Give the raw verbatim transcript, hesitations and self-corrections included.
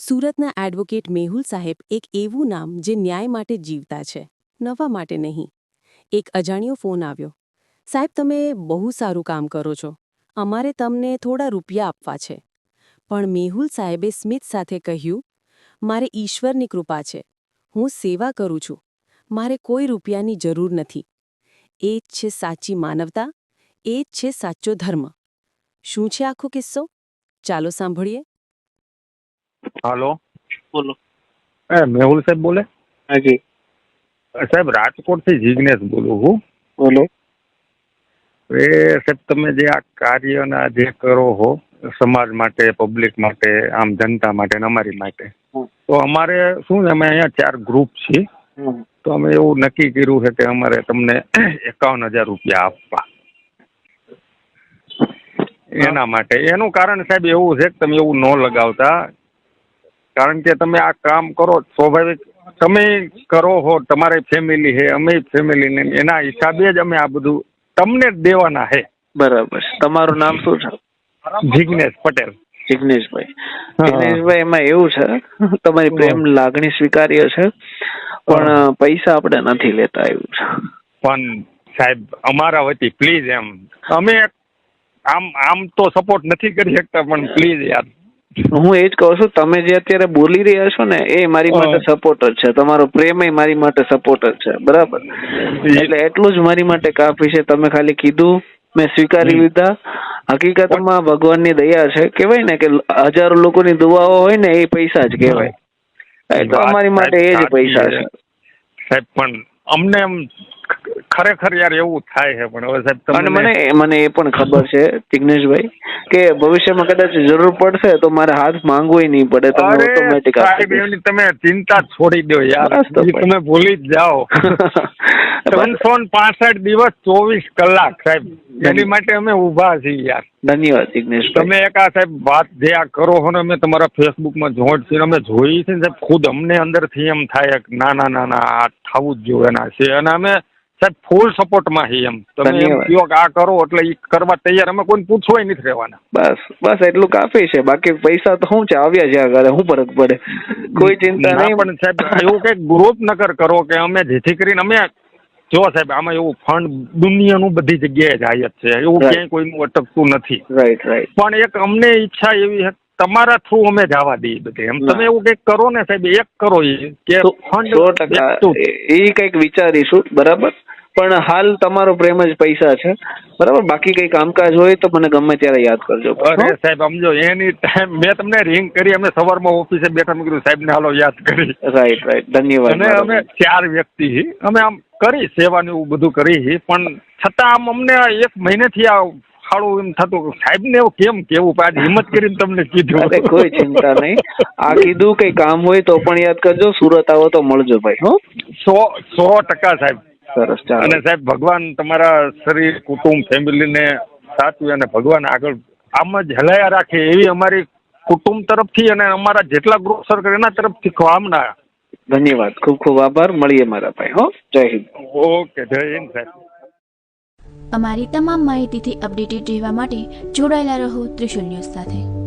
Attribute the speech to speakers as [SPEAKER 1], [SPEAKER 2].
[SPEAKER 1] સુરતના એડવોકેટ મેહુલ સાહેબ એક એવું નામ જે ન્યાય માટે જીવતા છે, નવા માટે નહીં. એક અજાણ્યો ફોન આવ્યો. સાહેબ, તમે બહુ સારું કામ કરો છો, અમારે તમને થોડા રૂપિયા આપવા છે. પણ મેહુલ સાહેબે સ્મિત સાથે કહ્યું, મારે ઈશ્વરની કૃપા છે, હું સેવા કરું છું, મારે કોઈ રૂપિયાની જરૂર નથી. એ જ છે સાચી માનવતા, એ જ છે સાચો ધર્મ. શું છે આખો કિસ્સો? ચાલો સાંભળીએ.
[SPEAKER 2] હાલો,
[SPEAKER 3] બોલો.
[SPEAKER 2] એ મેહુલ સાહેબ બોલે?
[SPEAKER 3] હાજી
[SPEAKER 2] સાહેબ, રાજકોટ થી જિગ્નેશ બોલું છું.
[SPEAKER 3] બોલો.
[SPEAKER 2] એ સાહેબ, તમે જે આ કાર્યના જે કરો છો સમાજ માટે, પબ્લિક માટે, આમ જનતા માટે ને અમારી માટે,
[SPEAKER 3] હમ.
[SPEAKER 2] તો અમારે શું છે, અમે અહીંયા ચાર ગ્રુપ છીએ,
[SPEAKER 3] હમ.
[SPEAKER 2] તો અમે એવું નક્કી કર્યું છે કે અમારે તમને એકાવન હજાર રૂપિયા આપવા. એના માટે એનું કારણ સાહેબ એવું છે કે તમે એવું ન લગાવતા, કારણ કે તમે આ કામ કરો સ્વાભાવિક તમે કરો છો, તમારી ફેમિલી છે, અમે ફેમિલી ને એના હિસાબે જ અમે આ બધું તમને જ દેવાના છે.
[SPEAKER 3] બરાબર. તમારું નામ શું છે?
[SPEAKER 2] જિગ્નેશ પટેલ.
[SPEAKER 3] જિગ્નેશભાઈ. જિગ્નેશભાઈ, એમાં એવું છે, તમારી પ્રેમ લાગણી સ્વીકાર્ય છે, પણ પૈસા આપણે નથી લેતા એવું છે.
[SPEAKER 2] પણ સાહેબ, અમારા વતી પ્લીઝ, એમ અમે આમ આમ તો સપોર્ટ નથી કરી શકતા, પણ પ્લીઝ યાર.
[SPEAKER 3] હું એ જ કહું છું, તમે જે અત્યારે બોલી રહ્યા છો ને એ મારી માટે સપોર્ટ જ છે, તમારો પ્રેમ એ મારી માટે સપોર્ટ જ છે. બરાબર. એટલે એટલું જ મારી માટે કાફી છે. તમે ખાલી કીધું, મેં સ્વીકારી લીધા. હકીકતમાં ભગવાનની દયા છે. કહેવાય ને કે હજારો લોકોની દુઆઓ હોય ને એ પૈસા જ કહેવાય. એ તો અમારી માટે એ જ પૈસા છે
[SPEAKER 2] સાહેબ. પણ અમને એમ ખરેખર યાર એવું થાય છે, પણ હવે સાહેબ
[SPEAKER 3] અને મને મને એ પણ ખબર છે જિગ્નેશભાઈ કે ભવિષ્યમાં કદાચ જરૂર પડશે તો મારે હાથ માંગવું નહીં પડે. તમે ઓટોમેટિક આપી દેશો.
[SPEAKER 2] તમે ચિંતા છોડી દો યાર, તમે ભૂલી જ જાઓ. ત્રણસો પાસઠ દિવસ ચોવીસ કલાક સાહેબ, એની માટે અમે ઉભા છીએ યાર.
[SPEAKER 3] ધન્યવાદ જિગ્નેશભાઈ.
[SPEAKER 2] તમે એક આ સાહેબ વાત જે આ કરો છો ને, અમે તમારા ફેસબુકમાં જોઈન્ટ છીએ, અમે જોઈ છે ને સાહેબ, ખુદ અમને અંદરથી એમ થાય કે ના ના ના ના આ થવું જ જોઈએ એના છે, અને અમે સાહેબ ફૂલ સપોર્ટમાં છીએ. એમ તમે એમ કહો કે આ કરો એટલે એ કરવા તૈયાર, અમે કોઈને પૂછવાય નથી રહેવાના.
[SPEAKER 3] બસ બસ એટલું કાફી છે. બાકી પૈસા તો શું છે, આવ્યા જ્યાં કરે શું ફરક પડે, કોઈ ચિંતા નહીં.
[SPEAKER 2] પણ સાહેબ એવું કઈક ગ્રુપ નકર કરો કે અમે જેથી કરીને અમે જો સાહેબ આમાં એવું ફંડ દુનિયાનું બધી જગ્યાએ જાય જ છે, એવું ક્યાંય કોઈનું અટકતું નથી.
[SPEAKER 3] Right right.
[SPEAKER 2] પણ એક અમને ઈચ્છા એવી છે તમારા થ્રુ અમે જવા દઈએ બધે. એમ તમે એવું કઈક કરો ને સાહેબ, એક કરો એ કે ફંડ
[SPEAKER 3] સો ટકા એ કઈક વિચારીશું. બરાબર. પણ હાલ તમારો પ્રેમ જ પૈસા છે. બરાબર. બાકી કઈ કામકાજ હોય તો મને ગમે ત્યારે યાદ કરજો.
[SPEAKER 2] અરે સાહેબ સમજો, એની ટાઈમ મેં તમને રિંગ કરી, અમે સવારમાં ઓફિસે બેઠા, મેં કીધું સાહેબ ને હાલો યાદ કરી.
[SPEAKER 3] Right right. ધન્યવાદ.
[SPEAKER 2] અને અમે ચાર વ્યક્તિ અમે આમ કરી સેવાનું એવું બધું કરી, પણ છતાં આમ અમને એક મહિનેથી આ ખાડું એમ થતું સાહેબ ને એવું કેમ કેવું, આજ હિંમત કરીને તમને કીધું.
[SPEAKER 3] અરે કોઈ ચિંતા નહીં. આ કીધું કઈ કામ હોય તો પણ યાદ કરજો. સુરત આવો તો મળજો ભાઈ. હો,
[SPEAKER 2] સો સો ટકા સાહેબ.
[SPEAKER 3] સરસ.
[SPEAKER 2] અને સાહેબ ભગવાન તમારા શરીર, કુટુંબ, ફેમિલીને સાચવે અને ભગવાન આગળ આમ જ હલાયા રાખે એવી અમારી કુટુંબ તરફથી અને અમારા જેટલા ગ્રુપ સર્કલ એના તરફથી કામના.
[SPEAKER 3] ધન્યવાદ. ખૂબ ખૂબ આભાર. મળીએ મારા ભાઈ. હો, જય હિન્દ.
[SPEAKER 2] ઓકે, જય હિન્દ સાહેબ.
[SPEAKER 4] અમારી તમામ માહિતીથી અપડેટેડ રહેવા માટે જોડાયેલા રહો ત્રિશુલ ન્યૂઝ સાથે.